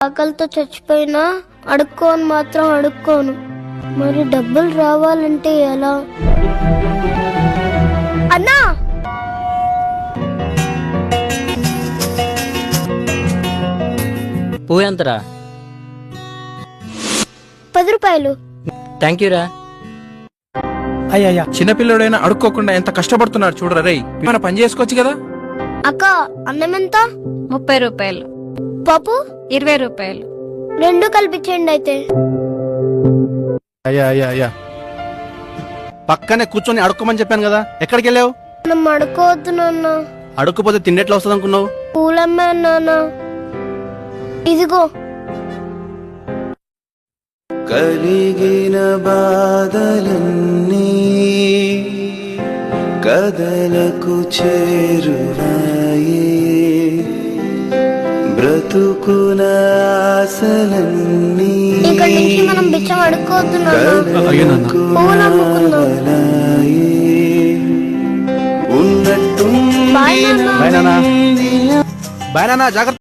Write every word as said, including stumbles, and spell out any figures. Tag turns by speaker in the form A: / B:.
A: ఆకలితో చచ్చిపోయినా అడుక్కోని మాత్రం అడుక్కోను. మరి డబ్బులు రావాలంటే ఎలా? అన్నా,
B: పువ్వు ఎంతరా?
A: పది రూపాయలు.
B: థ్యాంక్ యూ రా.
C: అయ్యా చిన్నపిల్లడైనా అడుక్కోకుండా ఎంత కష్టపడుతున్నాడు చూడరా రేయ్. మన పని చేసుకోవచ్చు కదా.
A: అక్క, అన్నం ఎంత?
D: ముప్పై రూపాయలు.
A: పప్పు
D: ఇరవై రూపాయలు.
A: రెండు కల్పించండి అయితే.
E: అయ్యా అయ్యా అయ్యా పక్కనే కూర్చొని అడుక్కోమని చెప్పాను కదా, ఎక్కడికి వెళ్ళావు?
A: మనం అడుకోవద్దు నాన్న.
E: అడుక్కుపోతే తిండెట్లా వస్తుంది అనుకున్నావు?
A: పూలమ్మే నాన్న. ఇదిగో.
F: కలిగిన బాధలన్నీ కదలకు చేరువాయే, బ్రతుకున ఆశలన్నీ
A: ఇక్కడి నుంచి మనం బిచ్చం అడుక్కోవద్దు నాన్న.
F: కదలకు మావలాయే. ఉన్నట్టు
A: బాయ్ నాన్న.
E: బాయ్ నాన్న. బాయ్ నాన్న, జాగ్రత్త.